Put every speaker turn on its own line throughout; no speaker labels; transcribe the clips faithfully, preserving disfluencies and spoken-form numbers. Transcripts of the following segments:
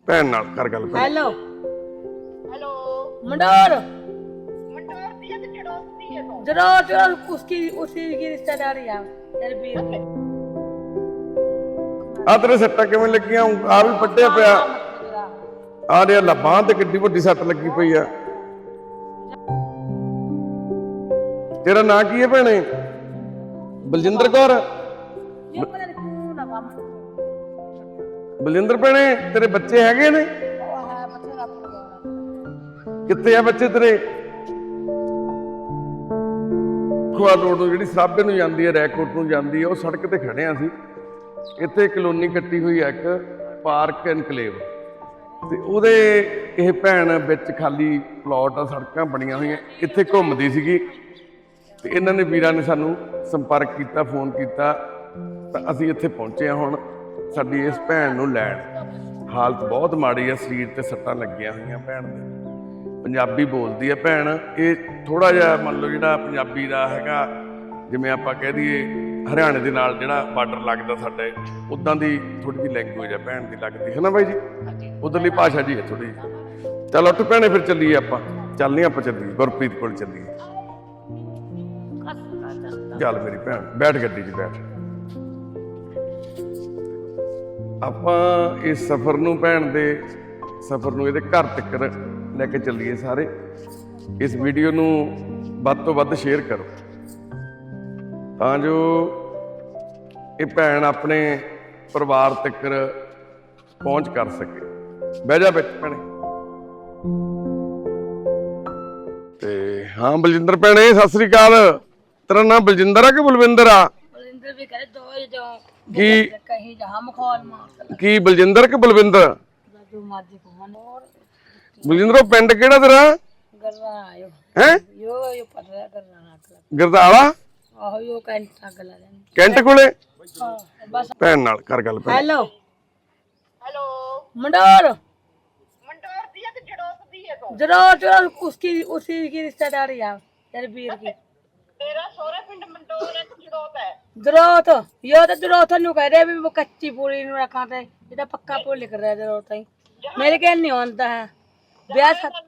ਭੈਣ ਨਾਲ ਕਰ ਗੱਲ।
हेलो
हेलो
मंडोर
मंडोर दिया तो चढ़ोती है तो
जरा जरा उसकी उसी की रिश्तेदारी है तेरे वीर की
ਆ ਤੇਰੇ ਸੱਟਾਂ ਕਿਵੇਂ ਲੱਗੀਆਂ? ਆ ਵੀ ਪੱਟਿਆ ਪਿਆ। ਆ ਰਿਹਾ ਲੱਭਾਂ ਤੇ ਕਿੱਡੀ ਵੱਡੀ ਸੱਟ ਲੱਗੀ ਪਈ ਆ। ਤੇਰਾ ਨਾਂ ਕੀ ਹੈ ਭੈਣੇ? ਬਲਜਿੰਦਰ ਕੌਰ।
ये पता नहीं क्यों ना काम
ਬਲਜਿੰਦਰ ਭੈਣੇ ਤੇਰੇ ਬੱਚੇ ਹੈਗੇ ਨੇ?
वो है बच्चे का प्रोग्राम
ਕਿੱਥੇ ਆ ਬੱਚੇ ਤੇਰੇ? ਖੁਆ ਰੋਡ ਨੂੰ ਜਿਹੜੀ ਸਾਬੇ ਨੂੰ ਜਾਂਦੀ ਹੈ, ਰੈਕੋਟ ਨੂੰ ਜਾਂਦੀ ਹੈ, ਉਹ ਸੜਕ ਤੇ ਖੜੇ ਆ ਅਸੀਂ। ਇੱਥੇ ਕਲੋਨੀ ਕੱਟੀ ਹੋਈ ਹੈ ਇੱਕ ਪਾਰਕ ਐਨਕਲੇਵ, ਤੇ ਉਹਦੇ ਇਹ ਭੈਣ ਵਿੱਚ ਖਾਲੀ ਪਲਾਟ ਆ, ਸੜਕਾਂ ਬਣੀਆਂ ਹੋਈਆਂ, ਇੱਥੇ ਘੁੰਮਦੀ ਸੀਗੀ। ਤੇ ਇਹਨਾਂ ਨੇ ਵੀਰਾਂ ਨੇ ਸਾਨੂੰ ਸੰਪਰਕ ਕੀਤਾ, ਫੋਨ ਕੀਤਾ, ਤਾਂ ਅਸੀਂ ਇੱਥੇ ਪਹੁੰਚੇ ਹਾਂ ਹੁਣ ਸਾਡੀ ਇਸ ਭੈਣ ਨੂੰ ਲੈਣ। ਹਾਲਤ ਬਹੁਤ ਮਾੜੀ ਆ, ਸਰੀਰ ਤੇ ਸੱਟਾਂ ਲੱਗੀਆਂ ਹੋਈਆਂ ਭੈਣ ਦੇ। ਪੰਜਾਬੀ ਬੋਲਦੀ ਆ ਭੈਣ। ਇਹ ਥੋੜਾ ਜਿਹਾ ਮੰਨ ਲਓ ਜਿਹੜਾ ਪੰਜਾਬੀ ਦਾ ਹੈਗਾ, ਜਿਵੇਂ ਆਪਾਂ ਕਹਿ ਦਈਏ ਹਰਿਆਣੇ ਦੇ ਨਾਲ ਜਿਹੜਾ ਬਾਰਡਰ ਲੱਗਦਾ ਸਾਡੇ, ਉੱਦਾਂ ਦੀ ਥੋੜੀ ਜਿਹੀ ਲੈਂਗੁਏਜ ਆ ਭੈਣ ਦੀ ਲੱਗਦੀ ਹੈ ਨਾ ਬਾਈ ਜੀ? ਉਧਰਲੀ ਭਾਸ਼ਾ ਜੀ ਹੈ ਥੋੜੀ ਜਿਹੀ। ਚਲ ਉੱਠ ਭੈਣੇ ਫਿਰ ਚੱਲੀਏ ਆਪਾਂ। ਚੱਲਨੀ ਆਪਾਂ ਚੱਲੀਏ ਗੁਰਪ੍ਰੀਤ ਕੋਲ ਚੱਲੀਏ। ਚੱਲ ਮੇਰੀ ਭੈਣ ਬੈਠ ਗੱਡੀ 'ਚ ਬੈਠ। ਆਪਾਂ ਇਸ ਸਫ਼ਰ ਨੂੰ ਭੈਣ ਦੇ ਸਫ਼ਰ ਨੂੰ ਇਹਦੇ ਘਰ ਤੱਕ ਲੈ ਕੇ ਚੱਲੀਏ ਸਾਰੇ। ਇਸ ਵੀਡੀਓ ਨੂੰ ਵੱਧ ਤੋਂ ਵੱਧ ਸ਼ੇਅਰ ਕਰੋ ਤਾਂ ਜੋ ਇਹ ਭੈਣ ਆਪਣੇ ਪਰਿਵਾਰ ਤੱਕ ਪਹੁੰਚ ਕਰ ਸਕੇ। ਬਹਿ ਜਾ ਵਿੱਚ ਭੈਣੇ। ਤੇ ਹਾਂ ਬਲਜਿੰਦਰ ਭੈਣੇ ਸਤਿ ਸ੍ਰੀ ਅਕਾਲ। ਤੇਰਾ ਨਾਮ ਬਲਜਿੰਦਰ ਆ ਕਿ ਬਲਵਿੰਦਰ ਆ?
बलिंदर भी करे दो ही जो
ਕੀ
कहीं जहां मखौल मार
ਕੀ ਬਲਜਿੰਦਰ ਕਿ ਬਲਵਿੰਦਰ?
जो मर्जी को मन और
ਬਲਜਿੰਦਰ ਉਹ ਪਿੰਡ ਕਿਹੜਾ ਤੇਰਾ
गरवा आयो
ਹੈ?
यो यो पड़ रहा गरवा नाक
ਗਰਦਾਲਾ
आहो यो कैंट गला लेन
ਕੈਂਟ ਕੋਲੇ।
हां बस
ਭੈਣ ਨਾਲ ਕਰ ਗੱਲ ਭੈਣ।
हेलो
हेलो
मंडोर
मंडोर दिया तो चढ़ोती है तो
जरा जरा उसकी उसी की रिश्तेदारी है तेरे वीर की
तेरा सोरे पिंड मंडोर है तो चढ़ोता है
जरूरत यो तो जरूरत नु कह रहे भी वो कच्ची पूरी नु रखा थे इधर पक्का पूरी लिख रहा है जरूरत ही मेरे के नहीं होता है ब्याह हाँ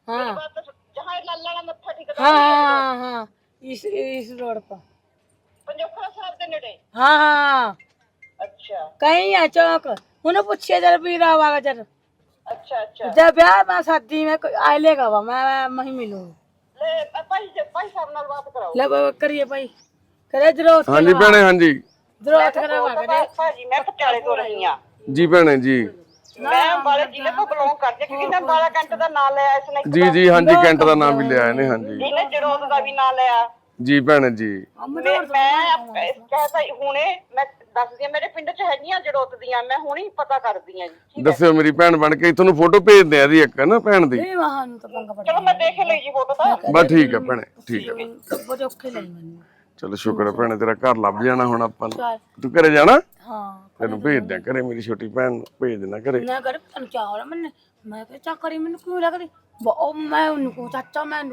जहाँ लाला का मत्था ठीक
हाँ हाँ हाँ इस इस रोड पर
पंजोखरा साहब के नेड़े।
हाँ हाँ
अच्छा
कहीं है चौक उन्हें पूछिए जरा पीरा वाला जरा
अच्छा अच्छा
जब ब्याह में शादी में कोई आए लेगा वो मैं मैं ही मिलूँ
ले भाई भाई साहब नाल बात कराओ।
ले बाबा करिए भाई करे जरूरत
ਹਾਂਜੀ ਭੈਣੇ ਹਾਂਜੀ
जरूरत करवा करे
भाजी मैं पटियाले तो रही हां
ਜੀ ਭੈਣੇ ਜੀ
मैं अंबाला जिले तो बिलोंग करती क्योंकि मैं अंबाला कैंट ਦਾ ਨਾਂ ਲਿਆ ਇਸਨੇ
ਜੀ ਜੀ ਹਾਂਜੀ ਕੈਂਟ ਦਾ ਨਾਮ ਵੀ ਲਿਆ ਇਹਨੇ ਹਾਂਜੀ
ਇਹਨੇ ਜੜੋਤ ਦਾ ਵੀ ਨਾਂ ਲਿਆ।
ਜੀ ਭੈਣੇ ਜੀ।
ਮੈਂ ਮੈਂ ਕਹਿੰਦਾ ਹੁਣੇ ਮੈਂ ਦੱਸਦੀ ਆ ਮੇਰੇ ਪਿੰਡ ਚ ਹੈਗੀਆਂ ਜੜੋਤ ਦੀਆਂ, ਮੈਂ ਹੁਣੇ ਪਤਾ ਕਰਦੀ ਆ ਜੀ।
ਦੱਸਿਓ ਮੇਰੀ ਭੈਣ ਬਣ ਕੇ, ਤੁਹਾਨੂੰ ਫੋਟੋ ਭੇਜਦੇ ਆ ਇਹਦੀ ਇੱਕ ਨਾ ਭੈਣ ਦੀ।
नहीं वहाँ नु तो पंगा पड़
ਚਲੋ ਮੈਂ ਦੇਖ ਲਈ ਜੀ ਫੋਟੋ ਤਾਂ।
ਬਸ ਠੀਕ ਆ ਭੈਣੇ ਠੀਕ ਆ।
वो जो खेल नहीं
ਚਲੋ ਸ਼ੁਕਰ ਹੈ ਭੈਣੇ ਤੇਰਾ ਘਰ ਲੱਭ ਜਾਣਾ ਹੁਣ ਆਪਾਂ ਨੂੰ।
चल
ਤੂੰ ਘਰੇ ਜਾਣਾ?
हाँ
ਤੈਨੂੰ ਭੇਜ ਦਿਆਂ ਘਰੇ, ਮੇਰੀ ਛੋਟੀ ਭੈਣ ਨੂੰ ਭੇਜ ਦੇਣਾ ਘਰੇ।
मैं कर तन क्या हो रहा मैंने मैं क्या चा करी मैंने क्यों लग रही वो मैं उनको चाचा मैं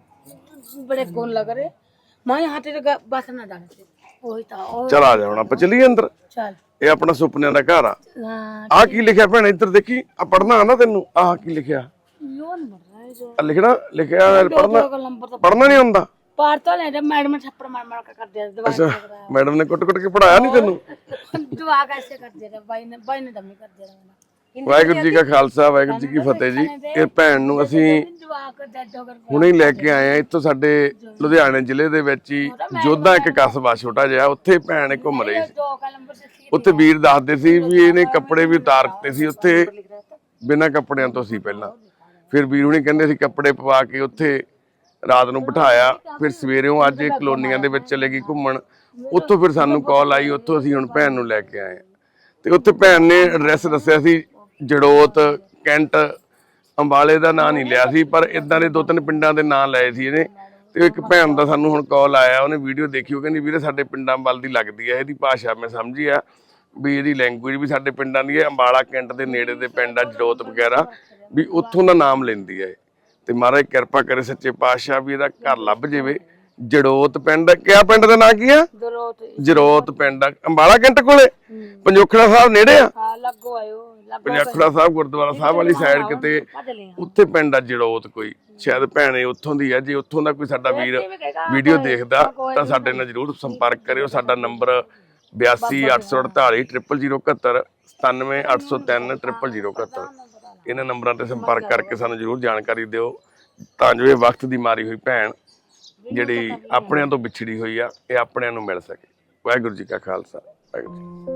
उनको बड़े कौन लग रहे मैं यहाँ तेरे बस ना जाने से वही था और
ਚਲ ਆ ਜਾ ਹੁਣ ਆਪਾਂ ਚੱਲੀਏ ਅੰਦਰ।
चल
ਇਹ ਆਪਣਾ ਸੁਪਨਿਆਂ ਦਾ ਘਰ ਆ।
हाँ
ਆਹ ਕੀ ਲਿਖਿਆ ਭੈਣੇ ਇੱਧਰ ਦੇਖੀ, ਆ ਪੜਨਾ ਆਉਂਦਾ ਤੈਨੂੰ? ਆਹ ਕੀ ਲਿਖਿਆ?
लोन मर रहा है जो
ਆ ਲਿਖਣਾ ਲਿਖਿਆ ਹੋਇਆ ਪੜਨਾ
का नंबर तो
ਪੜਨਾ ਨਹੀਂ ਆਉਂਦਾ?
पार तो नहीं मैडम ने थप्पड़ मार मार कर दिया दवाई
ਅੱਛਾ ਮੈਡਮ ਨੇ ਕੁੱਟ ਕੁੱਟ ਕੇ ਪੜਾਇਆ ਨਹੀਂ ਤੈਨੂੰ?
दुआ कैसे कर दे रहा भाई ने भाई ने दमी कर दे रहा
ਵਾਹਿਗੁਰੂ ਜੀ ਕਾ ਖਾਲਸਾ ਵਾਹਿਗੁਰੂ ਜੀ ਕੀ ਫਤਿਹ ਜੀ। ਇਹ ਭੈਣ ਨੂੰ ਅਸੀਂ
दुआ कर दे दो कर
ਹੁਣੇ ਹੀ ਲੈ ਕੇ ਆਏ ਆ ਇੱਥੋਂ, ਸਾਡੇ ਲੁਧਿਆਣੇ ਜ਼ਿਲ੍ਹੇ ਦੇ ਵਿੱਚ ਹੀ ਜੋਧਾ ਇੱਕ ਕਸਬਾ ਛੋਟਾ ਜਿਹਾ, ਉੱਥੇ ਭੈਣ ਇਹ ਘੁੰਮ ਰਹੀ ਸੀ।
दो का नंबर से
ਉੱਥੇ ਵੀਰ ਦੱਸਦੇ ਸੀ ਵੀ ਇਹਨੇ ਕੱਪੜੇ ਵੀ ਉਤਾਰ ਦਿੱਤੇ ਸੀ ਉੱਥੇ ਬਿਨਾਂ ਕੱਪੜਿਆਂ ਤੋਂ ਸੀ ਪਹਿਲਾਂ। ਫਿਰ ਵੀਰ ਹੁਣੀ ਕਹਿੰਦੇ ਸੀ ਕੱਪੜੇ ਪਵਾ ਕੇ ਉੱਥੇ ਰਾਤ ਨੂੰ ਬਿਠਾਇਆ। ਫਿਰ ਸਵੇਰੇੋਂ ਅੱਜ ਇਹ ਕਲੋਨੀਆਂ ਦੇ ਵਿੱਚ ਚਲੇ ਗਈ ਘੁੰਮਣ। ਉੱਥੋਂ ਫਿਰ ਸਾਨੂੰ ਕਾਲ ਆਈ, ਉੱਥੋਂ ਅਸੀਂ ਹੁਣ ਭੈਣ ਨੂੰ ਲੈ ਕੇ ਆਏ। ਤੇ ਉੱਥੇ ਭੈਣ ਨੇ ਐਡਰੈਸ ਦੱਸਿਆ ਸੀ ਜੜੋਤ, ਕੈਂਟ, ਅੰਬਾਲੇ ਦਾ ਨਾਂ ਨਹੀਂ ਲਿਆ ਸੀ, ਪਰ ਇਦਾਂ ਦੇ ਦੋ ਤਿੰਨ ਪਿੰਡਾਂ ਦੇ ਨਾਂ ਲਏ ਸੀ ਇਹਨੇ। ਤੇ ਇੱਕ ਭੈਣ ਦਾ ਸਾਨੂੰ ਹੁਣ ਕਾਲ ਆਇਆ, ਉਹਨੇ ਵੀਡੀਓ ਦੇਖੀ, ਉਹ ਕਹਿੰਦੀ ਵੀਰੇ ਸਾਡੇ ਪਿੰਡਾਂ ਵੱਲ ਦੀ ਲੱਗਦੀ ਹੈ ਇਹਦੀ ਭਾਸ਼ਾ, ਮੈਂ ਸਮਝੀ ਆ ਵੀ ਇਹਦੀ ਲੈਂਗੁਏਜ ਵੀ ਸਾਡੇ ਪਿੰਡਾਂ ਦੀ ਹੈ। ਅੰਬਾਲਾ ਕੈਂਟ ਦੇ ਨੇੜੇ ਦੇ ਪਿੰਡ ਆ ਜੜੋਤ ਵਗੈਰਾ, ਵੀ ਉੱਥੋਂ ਦਾ ਨਾਮ ਲੈਂਦੀ ਹੈ। ਤੇ ਮਹਾਰਾਜ ਕਿਰਪਾ ਕਰੇ ਸੱਚੇ ਪਾਤਸ਼ਾਹ ਵੀ ਇਹਦਾ ਘਰ ਲੱਭ ਜਾਵੇ। ਜੜੋਤ ਪਿੰਡ, ਕਿਆ ਪਿੰਡ ਦਾ ਨਾਂ ਕੀ ਆ?
ਦਰੋਤ
ਜਰੋਤ ਪਿੰਡ ਆ, ਅੰਬਾਲਾ ਕੈਂਟ ਕੋਲੇ। ਪੰਜੋਖੜਾ ਸਾਹਿਬ ਨੇੜੇ ਆ।
ਹਾਂ ਲੱਗੋ ਆਇਓ ਲੱਗੋ
ਪੰਜੋਖੜਾ ਸਾਹਿਬ ਗੁਰਦੁਆਰਾ ਸਾਹਿਬ ਵਾਲੀ ਸਾਈਡ ਕਿਤੇ
ਭੱਜ ਲਿਆ
ਉੱਥੇ ਪਿੰਡ ਆ ਜੜੋਤ ਕੋਈ, ਸ਼ਾਇਦ ਭੈਣੇ ਉੱਥੋਂ ਦੀ ਆ। ਜੇ ਉੱਥੋਂ ਦਾ ਕੋਈ ਸਾਡਾ ਵੀਰ ਵੀਡੀਓ ਦੇਖਦਾ ਤਾਂ ਸਾਡੇ ਨਾਲ ਜਰੂਰ ਸੰਪਰਕ ਕਰਿਓ। ਸਾਡਾ ਨੰਬਰ ਬਿਆਸੀ ਅੱਠ ਸੌ ਅੜਤਾਲੀ ਟ੍ਰਿਪਲ ਜ਼ੀਰੋ ਇਕਹੱਤਰ, ਸਤਾਨਵੇਂ ਅੱਠ ਸੌ ਤਿੰਨ ਟ੍ਰਿਪਲ ਜ਼ੀਰੋ ਇਕਹੱਤਰ। ਇਹਨਾਂ ਨੰਬਰਾਂ ਤੇ ਸੰਪਰਕ ਕਰਕੇ ਸਾਨੂੰ ਜਰੂਰ ਜਾਣਕਾਰੀ ਦਿਓ, ਤਾਂ ਜੋ ਇਹ ਵਕਤ ਦੀ ਮਾਰੀ ਹੋਈ ਭੈਣ ਜਿਹੜੀ ਆਪਣਿਆਂ ਤੋਂ ਵਿਛੜੀ ਹੋਈ ਆ, ਇਹ ਆਪਣਿਆਂ ਨੂੰ ਮਿਲ ਸਕੇ। ਵਾਹਿਗੁਰੂ ਜੀ ਕਾ ਖਾਲਸਾ, ਵਾਹਿਗੁਰੂ ਜੀ।